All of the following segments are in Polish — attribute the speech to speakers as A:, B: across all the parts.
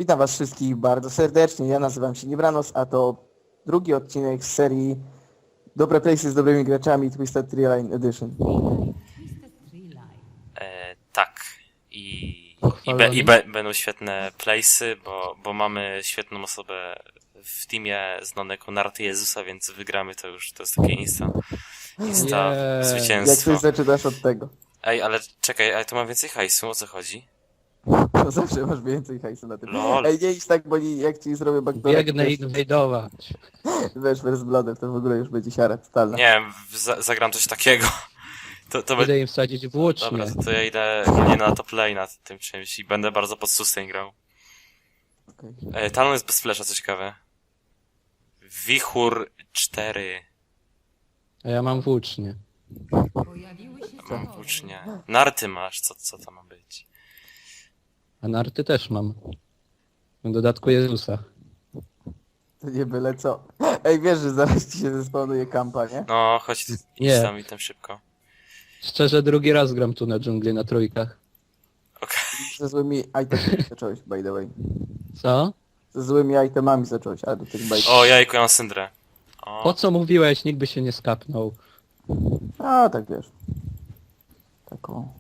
A: Witam was wszystkich bardzo serdecznie, ja nazywam się Nibranos, a to drugi odcinek z serii Dobre Playsy z dobrymi graczami Twisted Tree Line Edition.
B: Tak. I
C: Pochwalony.
B: będą świetne playsy, bo mamy świetną osobę w teamie znaną jako Narty Jezusa, więc wygramy to już, to jest takie insta
C: Jej.
A: Jak
B: zwycięstwo.
A: coś zaczynasz od tego,
B: Ej, ale czekaj, ale tu mam więcej hajsu, o co chodzi?
A: to zawsze masz więcej hajsu na tym.
B: Lol.
A: Ej, nie idź tak, bo jak ci zrobię backdoor,
C: Biegnę inwajdować.
A: wiesz, z Bloodem, to w ogóle już będzie siara totalna.
B: Nie wiem, zagram coś takiego. To
C: Idę im wsadzić włócznie.
B: Dobra, to ja idę nie na top lane na tym czymś i będę bardzo pod sustain grał.
A: Okay.
B: Talon jest bez flasha, co ciekawe. Wichur 4.
C: A ja mam włócznie.
B: Mam włócznie. Narty masz, co to ma być?
C: A narty też mam. W dodatku Jezusa.
A: To nie byle co. Ej, wiesz, że zaraz ci się zespawnuje kampa, nie?
B: No, chodź, idź
C: Nie.
B: tam i tam szybko.
C: Szczerze, drugi raz gram tu na dżungli na trójkach.
B: Okej.
A: Ze złymi itemami zacząłeś, by the way.
C: Co?
A: Ze złymi itemami zacząłeś, ale do tych bajek.
B: O, jajku, ja mam syndrę. O,
C: Po co mówiłeś? Nikt by się nie skapnął.
A: A, tak wiesz. Taką.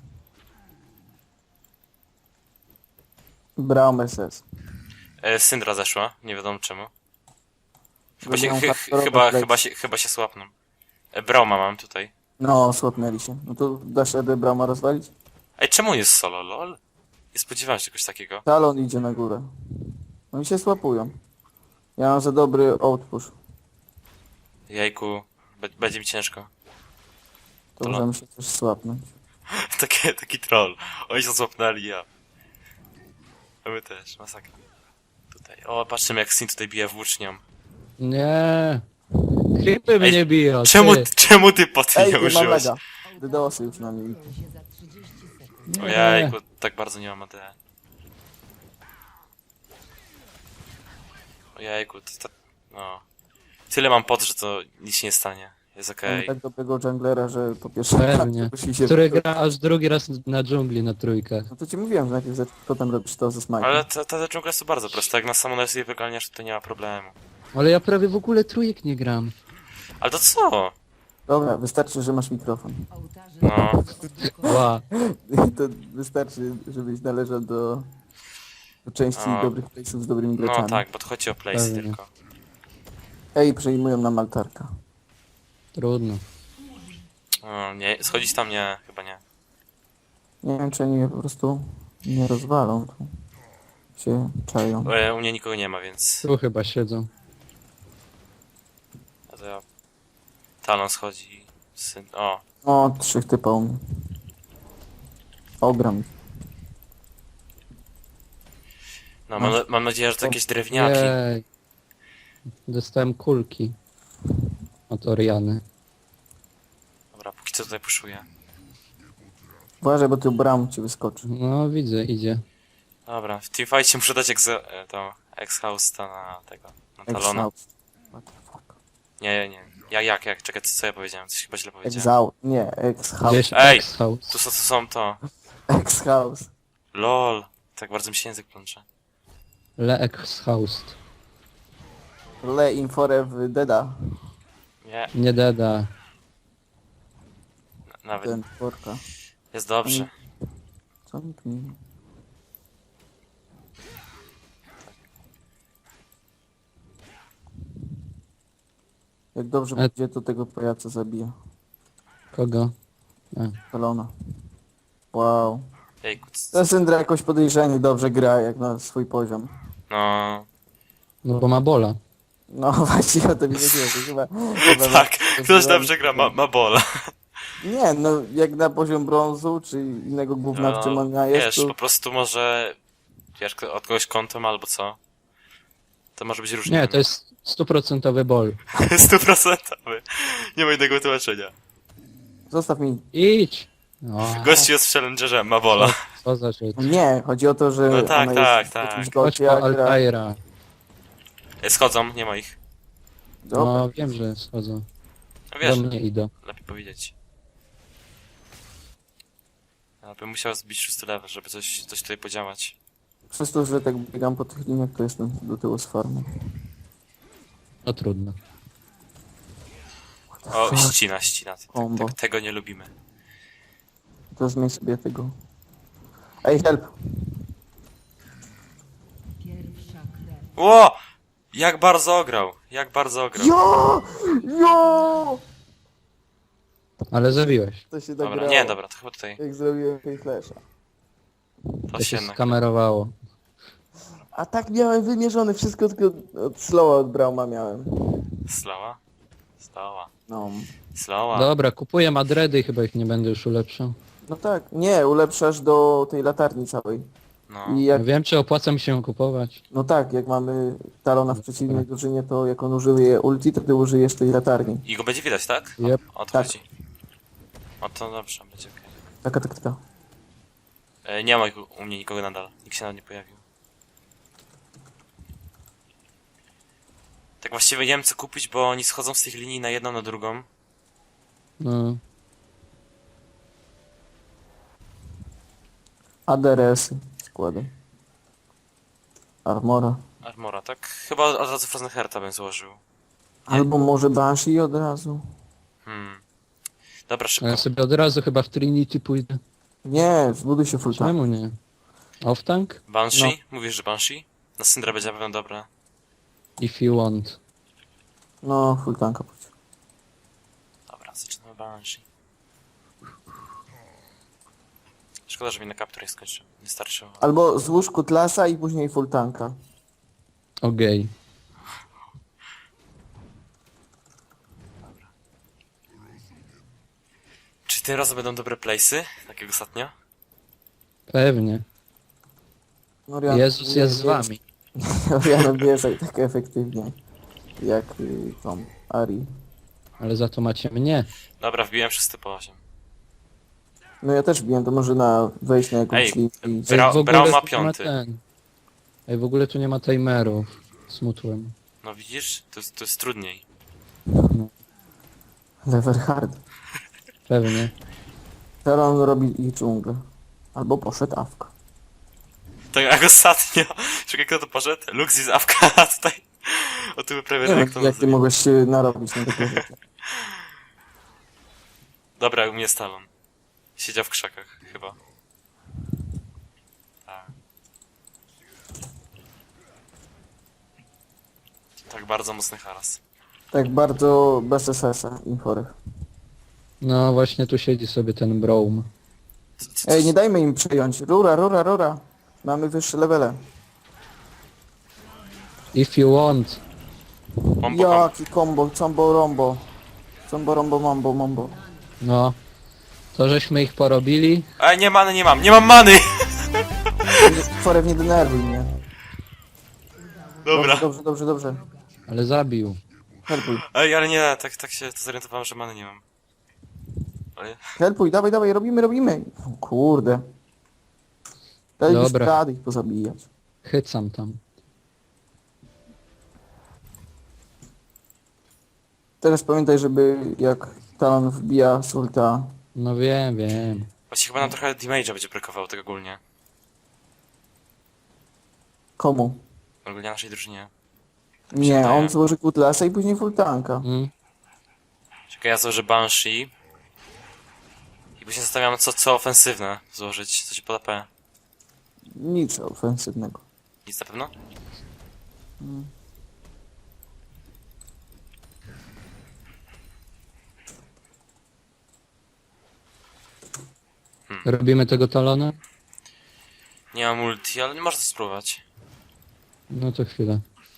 A: Braum SS.
B: syndra zeszła, nie wiadomo czemu. Chyba
A: Będą
B: się,
A: hardkorowe plays.
B: chyba się słapną. Brauma mam tutaj.
A: No, słapnęli się. No to dasz radę Brauma rozwalić?
B: Ej, czemu on jest solo, lol? Nie spodziewałem się czegoś takiego.
A: Talon idzie na górę. No i się słapują. Ja mam za dobry outpush.
B: Jajku, będzie mi ciężko.
A: To
B: Talon.
A: możemy się też słapnąć.
B: Taki troll. Oni się złapnęli, ja. A my też, masakra. Tutaj. O, patrzymy jak Sin tutaj bije włócznią.
C: Nie. Creepy mnie biją.
B: Czemu ty po tym
A: Ej,
B: nie
A: ty mam
B: użyłeś?
A: lega. DDoSy już na nim.
B: O jajku, tak bardzo nie mam AD. O jajku, no. Tyle mam pod, że to nic się nie stanie. Jest okej.
A: Mam tak dobrego junglera, że po pierwsze
C: Pewnie.
A: musi się...
C: Który gra aż drugi raz na dżungli na trójkach.
A: No to ci mówiłem, że najpierw potem robisz to ze smajkiem.
B: Ale ta dżungla jest to bardzo prosta. Jak na samą sobie wyganiasz, to nie ma problemu.
C: Ale ja prawie w ogóle trójek nie gram.
B: Ale to co?
A: Dobra, wystarczy, że masz mikrofon.
B: No.
C: Ła.
A: To wystarczy, żebyś należał do części
B: A.
A: dobrych playsów z dobrymi graczami.
B: No tak, bo to chodzi o place
C: Pewnie.
B: tylko.
A: Ej, przejmują nam altarka.
C: Trudno.
B: O, nie, schodzić tam nie, chyba nie.
A: Nie wiem, czy oni mnie po prostu nie rozwalą. Tu się czają.
B: U mnie nikogo nie ma, więc...
C: Tu chyba siedzą.
B: A to ja... Talon schodzi... O,
A: O, 3 typa u mnie. Ogram.
B: no mam nadzieję, że to jakieś drewniaki.
C: Jej. Dostałem kulki. Od Oriany.
B: Dobra, póki co tutaj puszuję.
A: Uważaj, bo tu bram ci wyskoczy.
C: No widzę, idzie.
B: Dobra, w teamfightie muszę dać to ex-house na tego, na Talona.
A: Exhaust. What the fuck?
B: Nie. Jak? Czekaj, co ja powiedziałem? Coś chyba źle powiedziałem.
A: Exhaust. Nie, ex-house.
C: Gdzieś
B: Ej!
C: Ex-house.
B: Tu są to.
A: Ex-house.
B: LOL. Tak bardzo mi się język plącze.
C: Le Ex-house.
A: Le Inforew Deda.
B: Nie,
C: Nie deda.
B: nawet.
A: Ten tworka.
B: Jest dobrze.
A: Co mi tu nie... Jak dobrze będzie, to tego pajaca zabija.
C: Kogo?
A: Talona. Wow.
B: Jejku,
A: Ta Syndra jakoś podejrzanie dobrze gra, jak na swój poziom.
B: no...
C: No bo ma bola.
A: No właśnie o to mi chodziło, to chyba
B: Tak, ktoś dobrze gra, ma bola.
A: Nie, no jak na poziom brązu, czy innego gówna, w czym ona jest,
B: wiesz,
A: to...
B: po prostu może... Wiesz, od kogoś kątem albo co? To może być różnie.
C: Nie, to jest 100% bol.
B: 100%. Nie ma innego tłumaczenia.
A: Zostaw mi.
C: Idź! No,
B: Gościu jest w challengerze, ma bola.
C: co za rzecz.
A: Nie, chodzi o to, że
B: No tak,
A: ona
B: tak,
A: jest w
B: tak.
A: jakimś
C: Chodź
A: gocie,
C: po
A: a gra...
C: Altaira.
B: Schodzą, nie ma ich.
A: Dobra.
C: No wiem, że schodzą.
B: No wiesz,
C: Do mnie idą.
B: lepiej powiedzieć. Ja bym musiał zbić 6 level, żeby coś tutaj podziałać.
A: Przez to, że tak biegam po tych liniach, to jestem do tyłu z farmy.
C: No trudno.
B: O, ścina.
A: Combo.
B: Tego nie lubimy.
A: To zmień sobie tego. Ej, help!
B: Ło! Jak bardzo ograł.
A: Jo! Jo!
C: Ale zabiłeś.
A: To się
B: Dobra,
A: nagrało.
B: nie, dobra, to chyba tutaj.
A: Jak zrobiłem tej flasha.
B: To
C: To
B: się
C: się skamerowało.
A: A tak miałem wymierzone, wszystko tylko od slowa od Brauma miałem.
B: Slowa.
A: No.
C: Dobra, kupuję Madredy i chyba ich nie będę już ulepszał.
A: No tak, nie, ulepszasz do tej latarni całej.
B: No.
A: I jak,
C: Nie wiem, czy opłaca mi się ją kupować.
A: no tak, jak mamy Talona w przeciwnej drużynie, to jak on użyje ulti, to ty użyjesz tej latarni.
B: I go będzie widać, tak?
C: Yep.
B: O to
A: Tak.
B: chodzi. O to dobrze, będzie okej.
A: Taka.
B: Nie ma u mnie nikogo nadal. Nikt się nawet nie pojawił. Tak właściwie nie wiem co kupić, bo oni schodzą z tych linii na jedną, na drugą.
C: No.
A: ADRS-y składam. Armora.
B: Armora, tak? Chyba od razu Frozen Hearta bym złożył.
A: Albo może Banshee od razu.
B: Dobra,
C: A
B: szybko.
C: ja sobie od razu chyba w Trinity pójdę.
A: Nie, zbuduj się full tank.
C: Czemu nie? Off-tank?
B: Banshee? Mówisz, że Banshee? Na Syndra będzie na pewno dobra.
C: If you want.
A: No, full tanka pójdź.
B: Dobra, zaczynamy Banshee. Szkoda, że mi na kapturę skończył. Nie starczyło.
A: Albo złóż kutlasa i później full tanka.
C: Okej.
B: Czy tym razem będą dobre place'y? Tak jak ostatnio?
C: Pewnie.
A: Oriana
C: Jezus jest z wami.
A: Oriana bije tak efektywnie. Jak tą Ari.
C: Ale za to macie mnie.
B: Dobra, wbiłem wszyscy po 8.
A: No ja też biłem, to może wejść na jakąś
B: Ej,
A: linię i...
C: Ej,
B: Brał
C: w ogóle
B: ma
C: tu nie ma
B: piąty.
C: ten. Ej, w ogóle tu nie ma timerów. Smutłem.
B: No widzisz? To jest trudniej.
A: Lever hard.
C: Pewnie.
A: Teraz on robi ich dżunglę. Albo poszedł awka.
B: Tak jak ostatnio. Czekaj, kto to poszedł? Lux z Awka, a tutaj... O tym prawie
A: Nie
B: jak
A: wiem,
B: to
A: jak ty
B: nazywa.
A: mogłeś się narobić na takie rzeczy.
B: Dobra, u mnie Stalon. Siedział w krzakach, chyba. Tak. Tak, bardzo mocny haras.
A: Tak bardzo bez SS-a i chorych.
C: No właśnie tu siedzi sobie ten Braum.
A: Ej, nie dajmy im przejąć. Rura. Mamy wyższe levele.
C: If you want.
B: Pompo,
A: Jaki combo, combo rombo. Combo rombo mambo.
C: No. To żeśmy ich porobili.
B: Ej, nie many, nie mam many!
A: Forew, nie denerwuj mnie.
B: Dobra.
A: Dobrze.
C: Ale zabił.
A: Helpuj.
B: Ej, ale nie, tak się to zorientowałem, że many nie mam. Ale...
A: Helpuj, dawaj, robimy. O, kurde. Daj już
C: Dobra.
A: rady ich pozabijać.
C: Chycam tam.
A: Teraz pamiętaj, żeby jak Talon wbija z ulta.
C: No wiem.
B: Właściwie chyba nam trochę damage'a będzie brakowało tego ogólnie.
A: Komu?
B: Ogólnie naszej drużynie.
A: Nie,
B: wydaje.
A: on złoży kutlasa i później full tanka.
C: Mm.
B: Czekaj, ja złożę Banshee. I później zastanawiam, co ofensywne złożyć, co się poda P.
A: Nic ofensywnego.
B: Nic na pewno?
C: Robimy tego talona?
B: Nie mam multi, ale nie można to spróbować.
C: No to chwilę.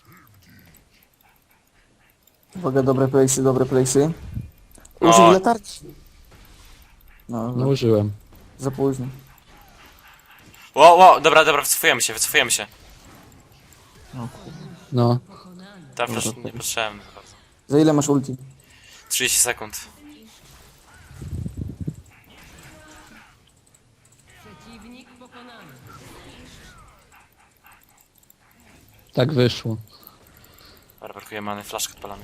A: Uwaga, dobre place'y.
B: No.
A: Użyj latarki. No,
C: No użyłem.
A: za późno.
B: Wow, dobra, wycofujemy się.
C: No.
B: Ta flash niepotrzebny bardzo.
A: Za ile masz ulti?
B: 30 sekund.
C: Tak wyszło.
B: Dobra, brakuje many, flaszkę odpalamy.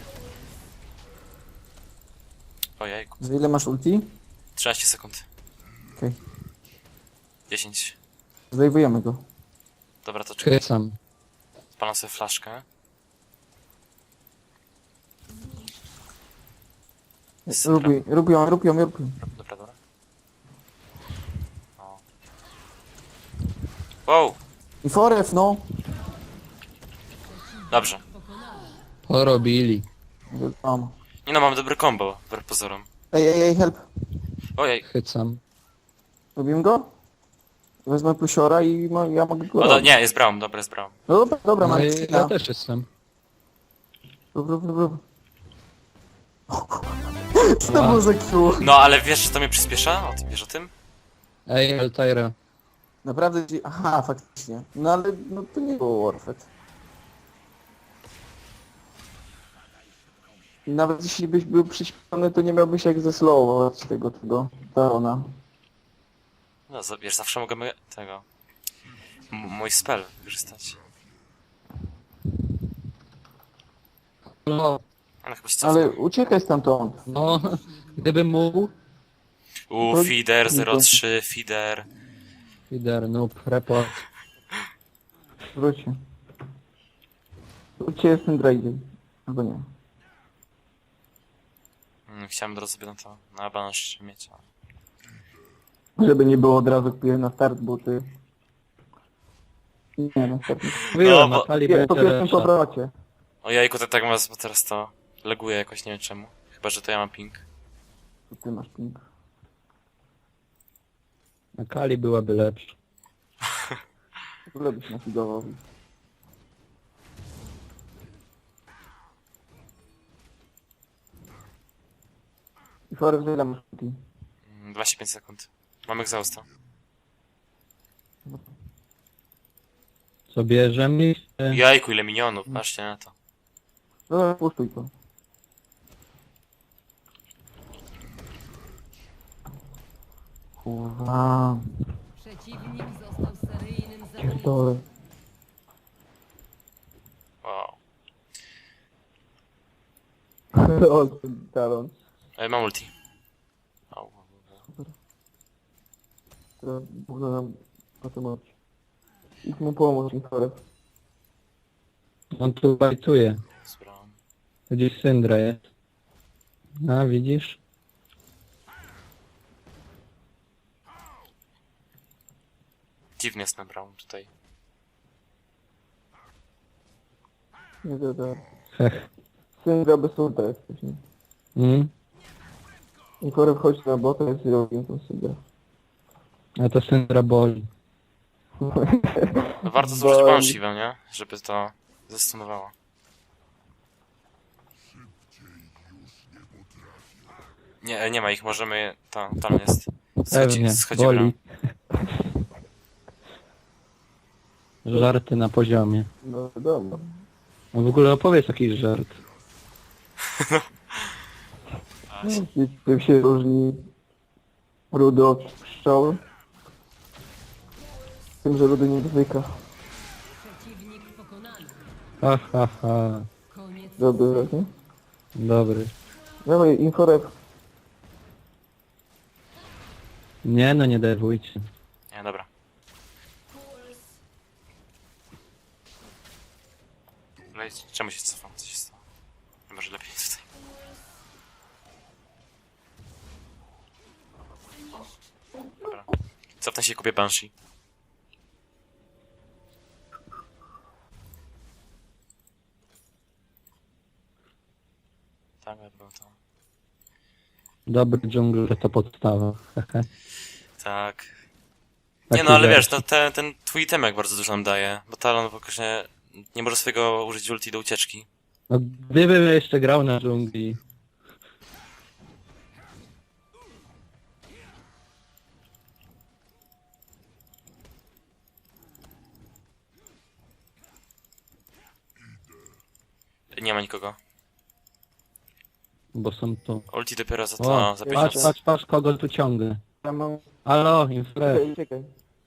B: Ojejku.
A: Za ile masz ulti?
B: 13 sekund.
A: Okej.
B: 10.
A: Zdejmujemy go.
B: Dobra, to czekaj.
C: Krycam.
B: Spalam sobie flaszkę.
A: Rób ją.
B: Dobra, dobra. O. Wow!
A: I forev, no.
B: Dobrze.
C: Porobili.
A: Mam.
B: Nie no, mam dobry combo, wbrew pozorom.
A: Ej, help.
B: Ojej.
C: Chycam.
A: Robimy go? Wezmę plusiora i ja mogę go
B: O,
A: robić.
B: nie, jest Braum, dobra, jest Braum.
A: No dobra,
C: No
A: mam
C: i
A: skina.
C: ja też jestem.
A: Rób. Co to było za Q?
B: No, ale wiesz, że to mnie przyspiesza? O, ty wiesz o tym?
C: Ej, Altaira.
A: Naprawdę ci... Aha, faktycznie. No ale no, to nie było worth it. I nawet jeśli byś był przyśpiony, to nie miałbyś jak zeslowować tego Tarona.
B: No, wiesz, zawsze możemy tego... mój spell wykorzystać.
C: No,
B: Ale chyba się cofnę.
A: Ale uciekaj stamtąd.
C: no, gdybym mógł.
B: Feeder 03, feeder.
C: Lider, noob, report.
A: Wróćcie. Wróćcie, jestem Draydy. Albo nie.
B: Chciałem od razu sobie na banż mieć.
A: Żeby nie było od razu kupię na start buty. Nie, na start.
C: Mówiłem,
B: bo-
C: Akali
A: Po
C: będzie
A: pierwszym
C: lepsza.
A: powrocie.
B: O jajku, to tak mas, bo teraz to laguje jakoś, nie wiem czemu. Chyba, że to ja mam ping.
A: To ty masz ping.
C: Akali byłaby lepsza.
A: W ogóle byś nafigował. I Forest ile masz ping?
B: 25 sekund. Mam exhausta.
C: Co bierzemy?
B: Jajku, ile minionów, patrzcie na to.
A: No, puszczuj to. Kurwa.
D: Przeciwnik został seryjnym zabójcą.
A: Pierdolę.
B: Wow.
A: O, ten talon.
B: Mam ulti. O,
A: Teraz Bóg nam potem oczy. Idź mu pomóc, Forest.
C: On tu bajtuje.
B: zbrałem.
C: Gdzieś Syndra jest. A, widzisz?
B: Dziwny jest nabrał tutaj.
A: Nie to.
C: Hech.
A: Syndra bez ulta jesteś, nie?
C: Mm?
A: I Forest chodź na bota, jest zrobił tą Syndra.
C: A to Syndra boli.
B: No warto zużyć banshee, nie? Żeby to zastunowało. Nie ma ich, możemy... Tam jest.
C: Pewnie,
B: Schodzi
C: boli. Żarty na poziomie.
A: No dobra.
C: No w ogóle opowiedz jakiś żart.
A: Czym się różni rudy od pszczoły? Tym, że rudy nie dotyka.
D: Przeciwnik pokonany.
C: Ha, ha, ha.
D: Koniec.
A: Dobry, nie?
C: Dobry.
A: Dawaj, inforep.
C: Nie no, nie dewujcie.
B: Nie, dobra. Czemu się cofam? Co się stało? Może lepiej tutaj. Dobra. Cofnę się i kupię Banshee. Tak, dobra, to...
C: Dobry dżungler to podstawa. Hehe.
B: Tak. Nie
C: Taki
B: no, ale
C: żart.
B: wiesz, no, ten twój itemek bardzo dużo nam daje, bo Talon faktycznie nie może swojego użyć ulti do ucieczki.
C: No gdybym jeszcze grał na dżungli.
B: Nie ma nikogo.
C: Bo są tu.
B: Ulti dopiero za
C: O,
B: to, za 5
C: patrz,
B: minut.
C: patrz, patrz kogo tu ciągnę.
A: Ja mam...
C: Halo, infre.
A: Czekaj.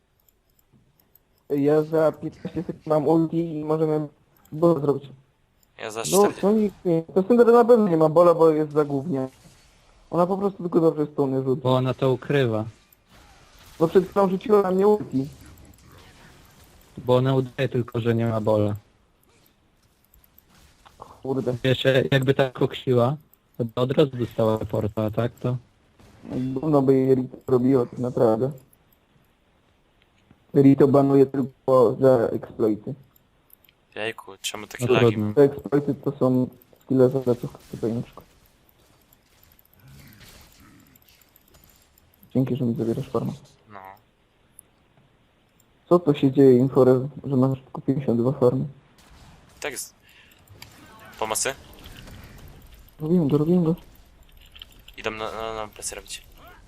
A: Ja za 15 sekund mam ulti i możemy bola zrobić.
B: Ja za
A: No,
B: 4...
A: to nikt nie. To Syndra na pewno nie ma bola, bo jest za głównie. Ona po prostu tylko dobrze stuny rzuci.
C: Bo ona to ukrywa.
A: Bo przed chwilą rzuciła na mnie ulti.
C: Bo ona udaje tylko, że nie ma bola.
A: Kurde.
C: Wiesz, jakby tak koksiła, to by od razu dostała reporta, a tak to...
A: Gówno by jej Rito robiło, tak naprawdę. Rito banuje tylko za exploity.
B: Jejku, czemu takie
C: No
B: lagi
C: trudno.
B: mam?
A: Te exploity to są skille za leców tutaj na przykład. Dzięki, że mi zabierasz farmę.
B: No.
A: Co to się dzieje, Inforew, że masz tylko 52 farmy?
B: Tak jest. Pomocy?
A: Robiłem go.
B: Idą na plecy robić.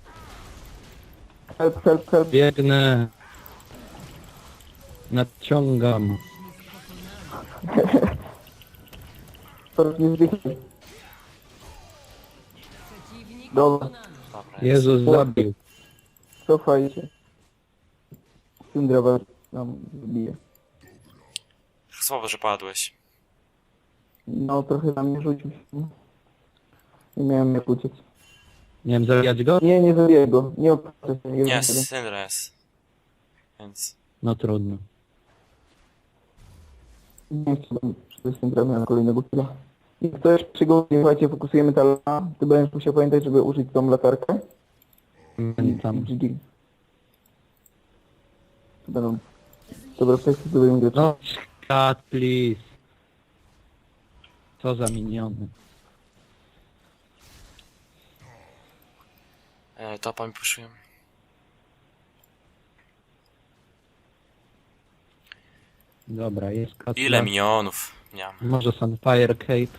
A: Help.
C: Biegnę. Nadciągam.
A: Teraz nie zdychaj.
D: Przeciwnik
A: Dobra,
D: pokonany.
B: Dobra, jest.
C: Jezus zabił.
A: cofajcie. Syndra was nam zbije.
B: Słabo, że padłeś.
A: No, trochę na mnie rzucił się. Nie miałem jak uciec.
C: Nie wiem, zabijać go?
A: Nie zabiję go. Nie opłacę się.
B: Nie, Syndra jest. Więc...
C: No trudno.
A: Nie chcę przede Syndra miałem kolejnego killa. I ktoś przygodzie, słuchajcie, fokusujemy talona. Ty będziesz musiał pamiętać, żeby użyć tą latarkę.
C: Pamiętam.
A: GG. To będą dobre kwestie, zrobimy grę.
C: No, cut, please. Co za miniony.
B: Topa mi puszują.
C: Dobra, jest cut.
B: Ile minionów miałem?
C: Może Sunfire Cape.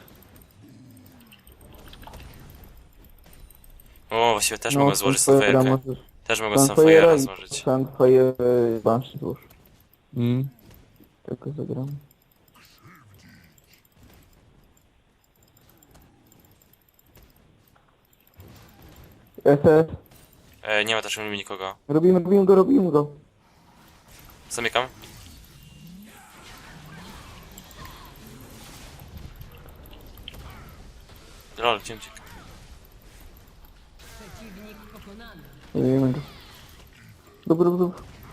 B: O, właściwie też mogę złożyć
A: Sunfire'a
B: Sunfire'kę.
A: możesz-
B: Też mogę
A: Sunfire'a
B: Sunfire'a
A: i
B: złożyć.
A: Sunfire Banshee złóż.
C: Mm.
A: Tylko zagram. SS.
B: Nie ma też nikogo.
A: Robimy go.
B: Zamykam. Lol, gdzie uciekł?
D: Przeciwnik pokonany.
A: Robimy go. Dobra.
D: Dwa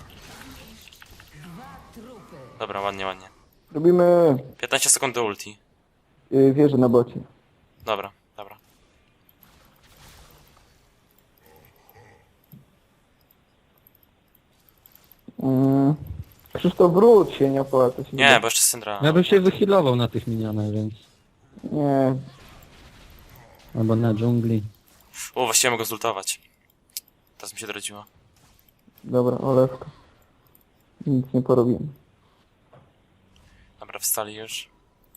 D: trupy.
B: Dobra, ładnie.
A: Robimy
B: 15 sekund do ulti.
A: wieżę na bocie.
B: Dobra.
A: Krzysztof, wróć się, nie opłaca się.
B: Nie, bo jeszcze Syndra.
C: Ja bym się wyhealował na tych minionach, więc...
A: Nie.
C: Albo na dżungli.
B: O, właściwie mogę zultować. Teraz mi się dorodziło.
A: Dobra, olewka. Nic nie porobimy.
B: Dobra, wstali już.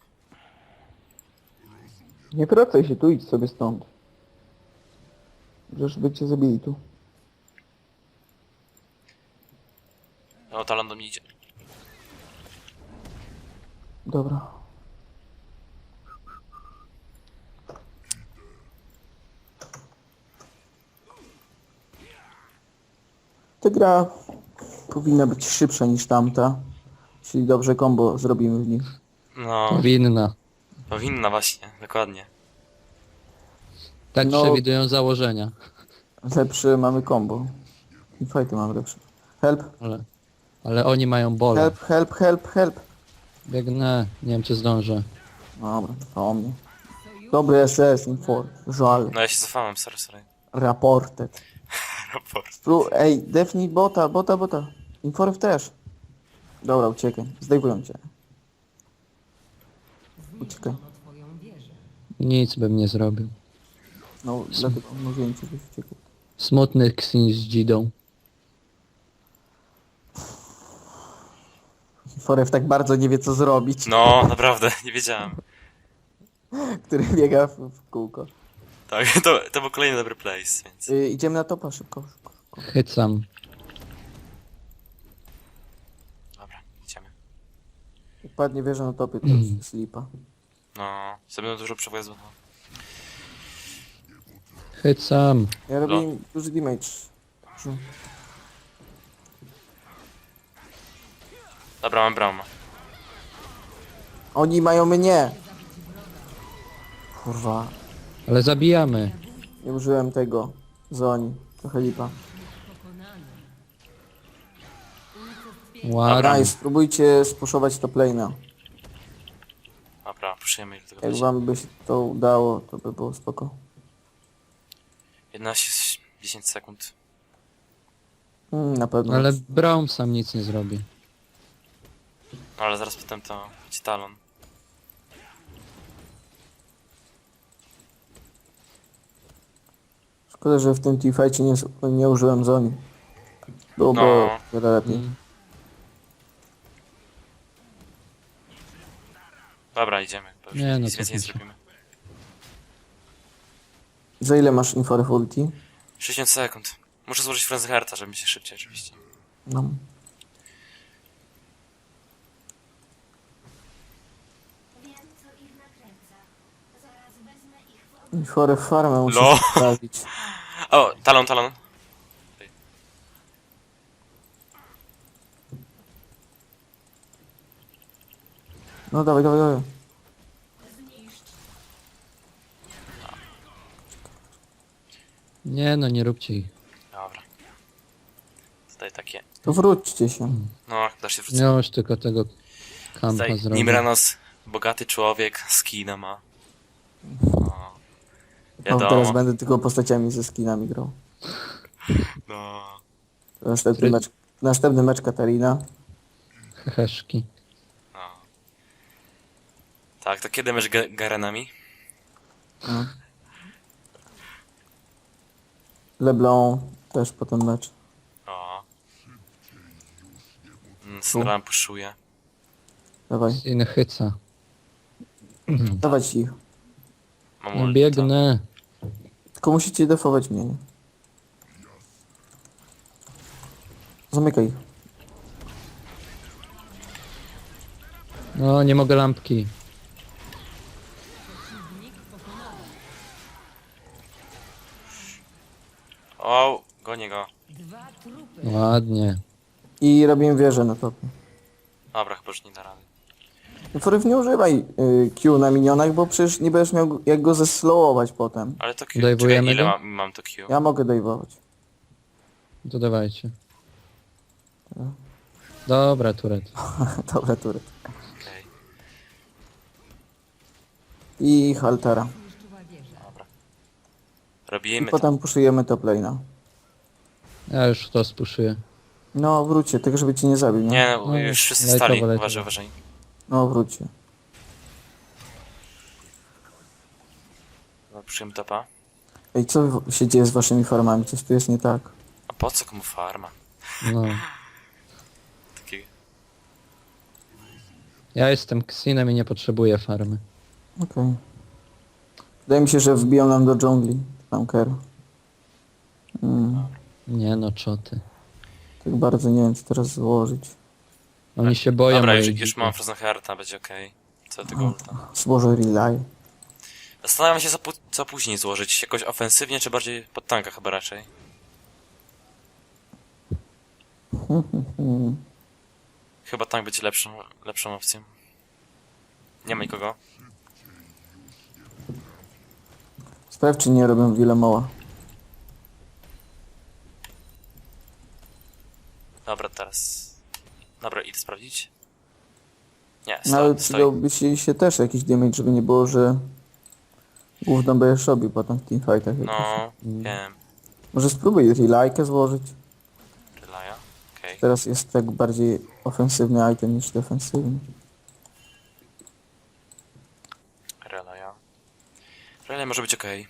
A: Nie wracaj się tu, idź sobie stąd. Żeby cię zabili tu.
B: O, talon do mnie idzie.
A: Dobra. Ta gra powinna być szybsza niż tamta. Jeśli dobrze combo zrobimy w nich.
B: No,
C: Powinna.
B: powinna właśnie, dokładnie.
C: Tak
A: No.
C: przewidują założenia.
A: Lepsze mamy combo. I fighty mamy lepsze. Help,
C: Ale oni mają bole.
A: help.
C: Biegnę. Nie wiem, czy zdążę.
A: Dobra, to o mnie. Dobry SS, info. Żal.
B: No ja się cofałem, sorry.
A: Raported.
B: Raport.
A: Ej, defnij bota. Inforw też. Dobra, uciekaj. Zdejmują cię. Uciekaj.
D: Zniszczono twoją wieżę.
C: Nic bym nie zrobił.
A: No, dlatego mówiłem ci, żebyś uciekł.
C: Smutny Xin z Dzidą.
A: Inforw tak bardzo nie wie co zrobić.
B: No, naprawdę, nie wiedziałem.
A: Który biega w kółko.
B: Tak, to był kolejny dobry place, więc...
A: Idziemy na topa, szybko.
C: Chycam.
B: Dobra, idziemy.
A: Jak padnie wieża na topie, to już slipa.
B: No, sobie będą dużo przewozu. No.
C: Chycam.
A: Ja robię im duży damage. Dużo.
B: Dobra, mam bramę.
A: Oni mają mnie! Kurwa,
C: Ale zabijamy.
A: nie użyłem tego. Zoni. Trochę lipa.
D: Pokonany. Unicestwienie
C: Ładnie.
A: Nice, spróbujcie spuszować top lane'a.
B: Dobra, puszujemy ile tego
A: Jak
B: będzie.
A: wam by się to udało, to by było spoko.
B: 11, 10 sekund.
A: Na pewno.
C: Ale Braum sam nic nie zrobi.
B: No ale zaraz potem to będzie talon.
A: Szkoda, że w tym teamfightie nie użyłem Zoni. Byłoby
B: No.
A: wiele lepiej.
C: Mm.
B: Dobra, idziemy. Bo już
C: Nie, no
B: nic
C: to
B: więcej nie
C: muszę.
B: zrobimy.
A: Za ile masz info w ulti?
B: 60 sekund. Muszę złożyć Frenzy Hearta, żeby się szybciej oczywiście.
A: No.
E: Wiem, co ich nakręca. Zaraz wezmę ich w
A: Info w farmę muszę
B: No.
A: sprawić.
B: O, talon, talon.
A: No dawaj, dawaj, dawaj.
C: Nie no, nie róbcie ich.
B: Dobra. Tutaj takie.
A: To wróćcie się.
B: No, da się wrócić.
C: Nie już tylko tego kampa
B: Tutaj
C: zrobić.
B: Nimranos, bogaty człowiek, skina ma. O,
A: No,
B: wiadomo.
A: teraz będę tylko postaciami ze skinami grał.
B: No.
A: Następny mecz Katarina.
C: Heheszki.
B: No. Tak, to kiedy mecz Garenami?
A: No. LeBlanc też potem mecz.
B: O. Syndrome puszuje.
A: Dawaj,
C: Inchyca.
A: dawać ich.
B: Mam
C: No
B: ulta.
C: biegnę.
A: Tylko musicie defować mnie, nie? Zamykaj ich.
C: No, nie mogę lampki.
B: O, gonię go.
D: Dwa trupy.
C: Ładnie.
A: I robimy wieżę na topie.
B: Dobra, chyba już nie da rady.
A: Foryw, nie używaj Q na minionach, bo przecież nie będziesz miał jak go zeslowować potem.
B: Ale to Q.
C: Dajwujemy
B: Czekaj, ile
C: go?
B: mam to Q?
A: Ja mogę dajwować.
C: To dawajcie. Dobra, turet.
A: Dobra, tury.
B: Okej,
A: I haltera.
D: Zniszczyła wieżę.
B: dobra.
A: I
B: Robimy to.
A: potem puszujemy top lane'a.
C: Ja już to spuszuję.
A: No wróćcie, tylko żeby cię nie zabił, nie?
B: Nie, no,
C: No,
B: już wszyscy
C: lajtowo,
B: stali.
C: lajtowo.
B: Uważaj, uważaj.
A: No wróćcie.
B: No, puszujemy topa.
A: Ej, co się dzieje z waszymi farmami? Coś tu jest nie tak.
B: A po co komu farma?
C: No.
B: Taki...
C: Ja jestem Ksinem i nie potrzebuję farmy.
A: Okej. Wydaje mi się, że wbiją nam do dżungli. Tanker.
C: Nie no, czoty.
A: Tak bardzo nie wiem, co teraz złożyć.
C: Oni się boją
B: Dobra,
C: mojej
B: już
C: dziki.
B: mam Frozen Hearta, będzie okej. Co do tego ulta.
A: Złożę relay.
B: Zastanawiam się, co później złożyć. Jakoś ofensywnie, czy bardziej pod tanka chyba raczej. Chyba tank będzie lepszą opcją. Nie ma nikogo.
A: Sprawdź, czy nie robią Wilemoła.
B: Dobra, teraz... Dobra, idę sprawdzić. Nie,
A: No ale
B: stoi.
A: przydałby się też jakiś damage, żeby nie było, że gówno będziesz robił potem w teamfightach.
B: No, wiem.
A: Może spróbuj relaykę złożyć.
B: Relaya. Okej.
A: Teraz jest tak bardziej ofensywny item niż defensywny.
B: Relaya. Relaya może być okej.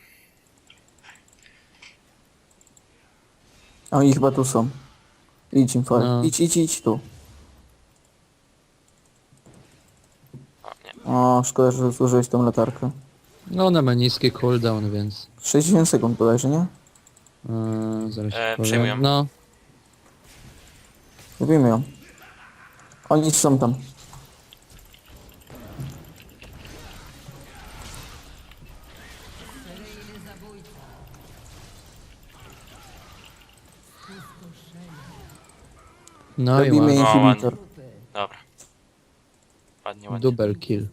A: A oni chyba tu są. Idź im for.
C: No.
A: Idź tu.
B: O, nie.
A: O, szkoda, że zużyłeś tą latarkę.
C: No ona ma niski cooldown, więc...
A: 60 sekund bodajże, nie?
C: Zaraz
B: przejmuję.
C: powiem. No,
A: Robimy ją. Oni są tam.
D: Seryjny zabójca. Pustoszenie.
C: no i
A: Robimy
C: ładnie.
A: inhibitor.
D: Trupy.
B: Dobra. Ładnie, ładnie.
C: Double kill.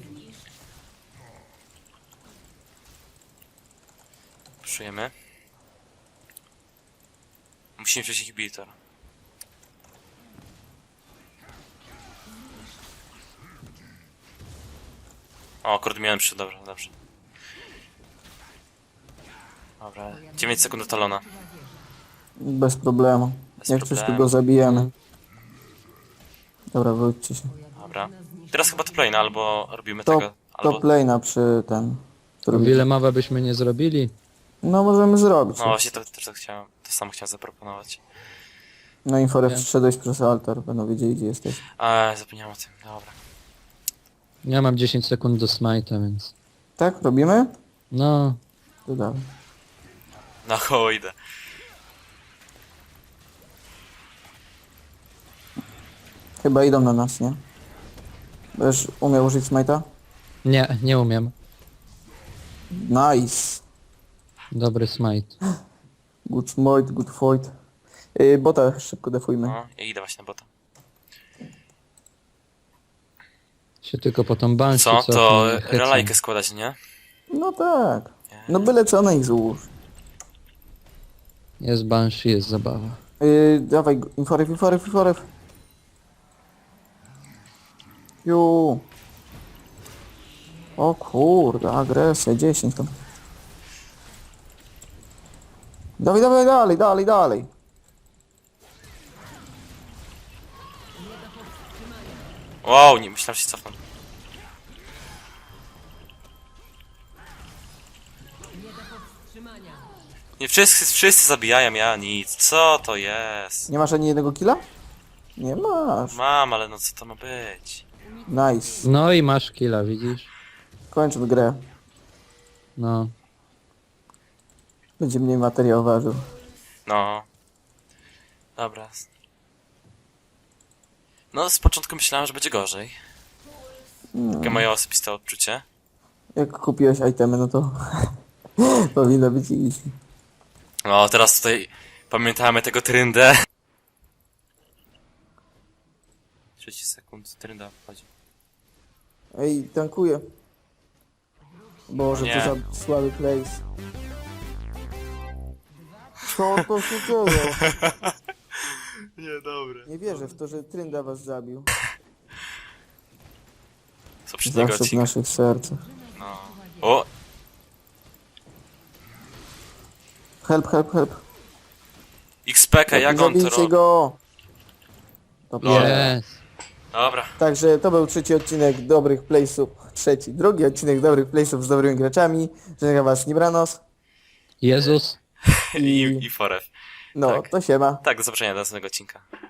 B: Puszujemy. Musimy wziąć inhibitor. O, kurde, miałem przy, dobra, dobrze. Dobra, 9 sekund do talona.
A: Bez problemu.
B: Bez
A: Jak coś, to
B: problemu.
A: go zabijemy. Dobra, wróćcie się.
B: Dobra. Teraz chyba top lane, albo robimy
A: Top,
B: tego, albo...
A: top lane'a przy ten...
C: O wiele mawa byśmy nie zrobili.
A: No możemy zrobić.
B: No właśnie, to też tak chciałem, to samo chciałem zaproponować.
A: No Inforef
C: Nie.
A: wszedłeś przez altar, będą wiedzieli gdzie jesteś.
B: Zapomniałem o tym, dobra.
C: Ja mam 10 sekund do smite'a, więc...
A: Tak, robimy?
C: No,
A: To dawaj.
B: Na koło idę.
A: Chyba idą na nas, nie? Będziesz umiał użyć smite'a?
C: nie umiem.
A: Nice.
C: Dobry smite.
A: Good smite, good fight. Bota szybko defujmy.
B: No, ja idę właśnie na bota.
C: Się tylko po tą banshee
B: Co?
C: cofnę
B: To
C: i hecam.
B: relajkę składać, nie?
A: No tak. No byle co na ich złóż.
C: Jest banshee, jest zabawa.
A: Dawaj, Inforef. Ju. O kurde, agresja, 10 tam. Dawaj, dalej.
B: Wow, nie, myślałem, że się cofnę. Nie, wszyscy zabijają, ja nic. Co to jest?
A: Nie masz ani jednego killa? Nie masz.
B: Mam, ale no co to ma być?
A: Nice.
C: No i masz killa, widzisz?
A: Kończmy grę.
C: No.
A: Będzie mniej materiał ważył.
B: No. Dobra. No, z początku myślałem, że będzie gorzej. Takie moje osobiste odczucie.
A: Jak kupiłeś itemy, no to powinno być easy.
B: No, teraz tutaj pamiętamy tego tryndę. 30 sekund, trynda wchodzi.
A: Ej, tankuję. Boże,
B: Nie.
A: to za słaby place. Co to się dzieje?
B: Nie, dobre.
A: Nie wierzę w to, że Trynda was zabił.
B: Z poprzedniego
A: Zawsze w
B: odcinka.
A: naszych sercach.
B: No. O!
A: Help.
B: XPK, jak on to
A: Zabijcie
B: robi?
A: go! Dobrze.
C: Jest.
B: Dobra.
A: Także to był trzeci odcinek dobrych playsów. Drugi odcinek dobrych playsów z dobrymi graczami. Żegnam was Nibranos.
C: Jezus.
B: I Foref.
A: No,
B: tak.
A: to siema.
B: Tak, do zobaczenia do następnego odcinka.